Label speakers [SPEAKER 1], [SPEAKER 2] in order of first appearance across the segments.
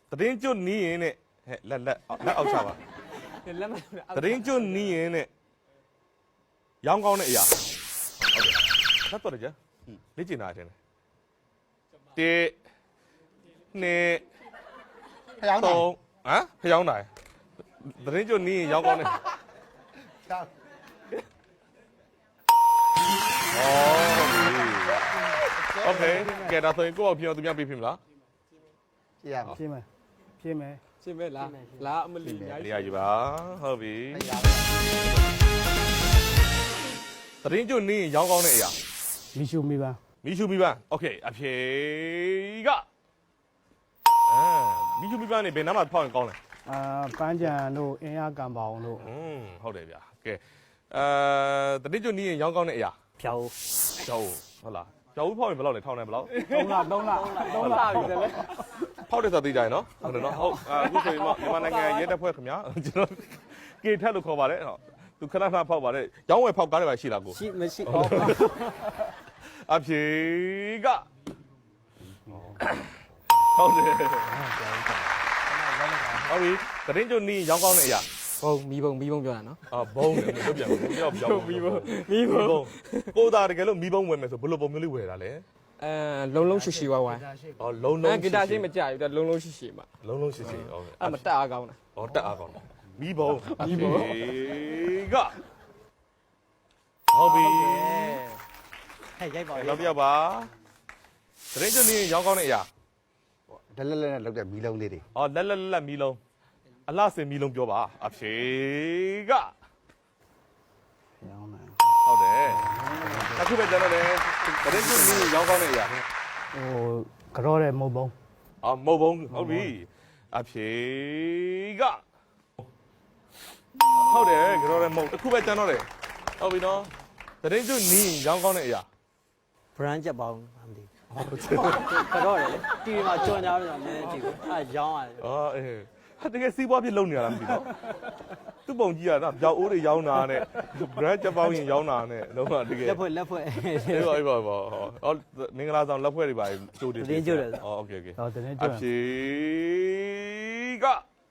[SPEAKER 1] သတင်းကျွတ်နီးရင်နဲ့ဟဲ့လက်အောက်ချပါ
[SPEAKER 2] လက်မ
[SPEAKER 1] သတင်းကျွတ်နီးရင်နဲ့ရောင်းကောင်းတဲ့အရာဟုတ်ကဲ့ဆက်တော့ကြလေ့ကျင်တာအချင်းတေနှစ်
[SPEAKER 3] ဖျောင်းတယ်
[SPEAKER 1] သုံးဟမ်ဖျောင်းတာသတင်းကျွတ်နီးရင်ရောင်းကောင်းတဲ့โอเคကဲဒါဆိုရင်ကိုယ့်အောင်ပြင်အောင်သူများပြပြမလား
[SPEAKER 3] ကြည့်ရမယ်
[SPEAKER 4] ဖြင်းမယ်ဖြင်းမယ်
[SPEAKER 2] ရှင်းမဲလားလာအမလီညာ
[SPEAKER 1] နေရာယူပါဟုတ်ပြီသတင်းကျွတ်နီးရင်ရောင်းကောင်းတဲ့အရာ
[SPEAKER 4] မီရှူမီပါ
[SPEAKER 1] မီရှူမီပန်းโอเคအဖြေကမီရှူမီပန်းနေဘယ်နားမှာဖောက်ရင်ကောင်းလဲ
[SPEAKER 4] ပန်းကြံတို့အင်းရကံပေါင်တို့
[SPEAKER 1] ဟုတ်တယ်ဗျာကဲသတင်းကျွတ်နီးရင်ရောင်းကောင်းတဲ့အရာ
[SPEAKER 4] ဖြောင်း
[SPEAKER 1] ကျောင်းဟုတ်လားကျောင်းဖောက်ရင်ဘယ်လောက်လဲထောင်းတယ်ဘယ်လောက်
[SPEAKER 4] 3လပြီလေ
[SPEAKER 1] ဖောက်တယ်ဆိုသိကြရင်နော်ဟုတ်တယ်နော်ဟုတ်အခုဆိုရင်မြန်မာနိုင်ငံရဲတပ်ဖွဲ့ခင်ဗျာကျွန်တော်ကေထက်လို့ခေါ်ပါတယ်ဟုတ်သူခဏခဏဖောက်ပါတယ်ရောင်းဝယ်ဖောက်ကားတွေပါရှိလားကို
[SPEAKER 2] ရှိမရှိ
[SPEAKER 1] အဖြေကဟုတ်တယ်ဟုတ်ပြီသတင်းကျွတ်နီးရောင်းကောင်းတဲ့အရာ
[SPEAKER 2] ဘုံမီးဘုံပြောတာနော်
[SPEAKER 1] ဘုံတယ်မပြောပြန်ဘူးပြောမီးဘုံကိုသားတကယ်လို့မီးဘုံဝယ်မယ်ဆိုဘယ်လိုပုံမျိုးလေးဝယ်တာလဲ
[SPEAKER 2] လုံးရှိဝိုင်း
[SPEAKER 1] လုံးလုံး
[SPEAKER 2] ဂီတာရှိမကြဘူးလုံးရှိမှာ
[SPEAKER 1] လုံးရှိဟုတ်ကဲ့
[SPEAKER 2] အဲ့မတက်အားကောင်းတာ
[SPEAKER 1] တက်အားကောင်းမီးဘုံကဟုတ်ပြီ
[SPEAKER 3] ဟဲ့ရိုက်ပါ
[SPEAKER 1] နောက်တစ်ယောက်ပါသတင်းကျွတ်နီးရောင်းကောင်းတဲ့အရာ
[SPEAKER 3] ဒလက်လက်နဲ့လောက်တဲ့မီးလုံးလေးတွေ
[SPEAKER 1] လက်မီးလုံးအလှစင်မီးလုံးပြောပါအဖြေက
[SPEAKER 4] ရောင်းတယ်
[SPEAKER 1] ဟုတ်တယ်အခုပဲကျွန်တော်လည်းသတင်းကျွတ်နီးရောင်းကောင်းတဲ့အရာ
[SPEAKER 4] ကြောတဲ့မုတ်ပုံး
[SPEAKER 1] မဟုတ်ဘူးဟုတ်ပြီအဖြေကဟုတ်တယ်ကြော်ရဲမဟုတ်တစ်ခုပဲကျွန်တော်တယ်ဟုတ်ပြီနော်သတင်းကျွတ်နီးရောင်းကောင်းတဲ့အရာ
[SPEAKER 5] brand ချက်ပေါင်းမသိဘူးတော့တယ်တီဗီမှာကြော်ညာပြီးတော့နည်းနည်းကြည့်ဘူးအဲရောင်းရတယ်
[SPEAKER 1] အေးဟာတကယ်စီးပွားဖြစ်လုံနေရတာမသိတော့သူ့ပုံကြီးကနော်ပြောက်အိုးတွေရောင်းတာနဲ့ brand ချက်ပေါင်းရင်ရောင်းတာနဲ့လုံးဝတကယ်
[SPEAKER 5] လက်ဖွဲ့
[SPEAKER 1] အေးပါဟောမင်္ဂလာဆောင်လက်ဖွဲ့တွေပါကျိုးတယ်
[SPEAKER 5] တင်းကျိုးတယ်
[SPEAKER 1] โอเค
[SPEAKER 4] တော့တင်း
[SPEAKER 1] အ
[SPEAKER 4] ကျွတ်
[SPEAKER 1] ဖြေက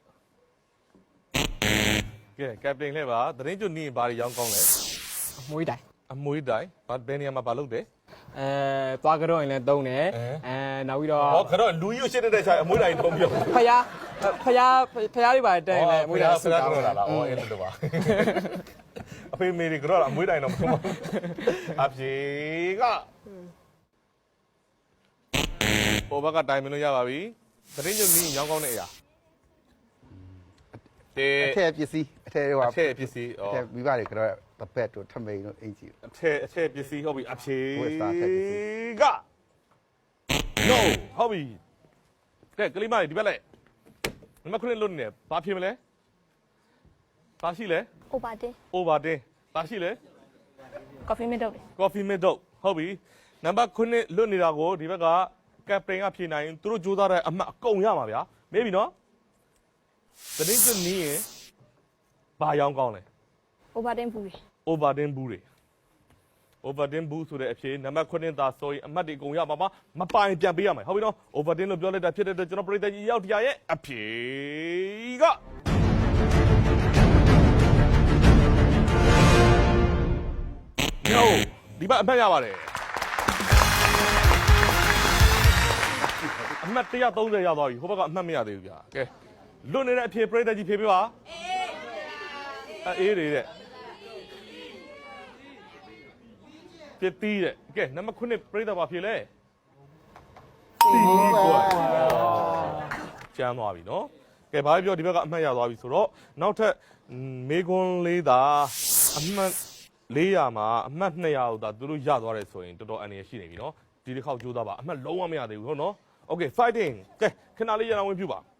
[SPEAKER 1] ကဲကပတိန်လဲပါသတင်းကျွတ်နီးဘာတွေရောင်းကောင်းလဲ
[SPEAKER 2] မွေးတိုင်
[SPEAKER 1] အမွေးတိုင်ဘယ်နေရာမှာလုပ်တယ်
[SPEAKER 2] သွားကြတော့ရင်လည်းတုံးတယ်နောက်ပြီးတော့
[SPEAKER 1] ဟောခတော့လူကြီးကိုရှင်းတဲ့ခြားအမွေးတိုင်ထုံးပြော
[SPEAKER 2] ဖယားတွေပါတက်ရင်လည်းမွေးတိုင်
[SPEAKER 1] ဆရာကတော့လာအော်အဲ့လိုပါအဖေမေတွေကတော့အမွေးတိုင်တော့မထုံးပါအဖြေကဟိုဘက်ကတိုင်မလို့ရပါပြီသတင်းကျွတ်နီးရောင်းကောင်းတဲ့အရာတေ
[SPEAKER 3] အထက်ပစ္စည်းအထက်ဟို
[SPEAKER 1] အထက်ပစ္စည်း
[SPEAKER 3] အထက်မိဘတွေကတော့တပက်တို့ထမိန်တို့အင်ကြီး
[SPEAKER 1] အထက်ပစ္စည်းဟုတ်ပြီအဖြေ
[SPEAKER 3] ဝက်စတာအထက်ပစ္စည်း
[SPEAKER 1] က no ဟုတ်ပြီကဲကလေးမလေးဒီဘက်လိုက်နံပါတ်9လွတ်နေတယ်ဘာဖြစ်မလဲဘာရှိလဲ
[SPEAKER 6] Obatin
[SPEAKER 1] over ဘာရှိလဲ
[SPEAKER 6] coffee mate တော့
[SPEAKER 1] coffee mate ဟုတ်ပြီနံပါတ်9လွတ်နေတာကိုဒီဘက်ကကပတိန်ကဖြေနိုင်ရင်သူတို့ကြိုးစားတဲ့အမှတ်အကုန်ရမှာဗျာမေးပြီနော်သတင်းကျွတ်နီးရင်ဘာရောင်းကောင်းလဲ
[SPEAKER 6] Obatin ဘူးလေ
[SPEAKER 1] overden ဘူးတွေ overden ဘူးဆိုတဲ့အဖြေနံပါတ်9သာဆိုရင်အမှတ်တွေအကုန်ရပါမှာမပိုင်ပြန်ပေးရမယ်ဟုတ်ပြီနော် overden လို့ပြောလိုက်တာဖြစ်တဲ့အတွက်ကျွန်တော်ပရိသတ်ကြီးရောက်တရားရဲ့အဖြေကNo ဒီဘက်အမှတ်ရပါတယ်အမှတ်130ရသွားပြီဟိုဘက်ကအမှတ်မရသေးဘူးဗျာကဲလွတ်နေတဲ့အဖြေပရိသတ်ကြီးဖြေပေးပါအေးတဲ့ပြစ်တီးတဲ့ကဲနံပါတ်9ပြိဿဘာဖြစ်လဲတီးကွာကျမ်းသွားပြီနော်ကဲဘာပြောဒီဘက်ကအမှတ်ရသွားပြီဆိုတော့နောက်ထပ်မေကွန်းလေးသာအမှတ်400မှာအမှတ်200ကိုသာသူတို့ရသွားတယ်ဆိုရင်တော်တော်အန္တရာယ်ရှိနေပြီနော်ဒီတစ်ခေါက်ကြိုးစားပါအမှတ်လုံးဝမရသေးဘူးဟုတ်နော်โอเค fighting ကဲခဏလေးရအောင်ဝင်ပြပါ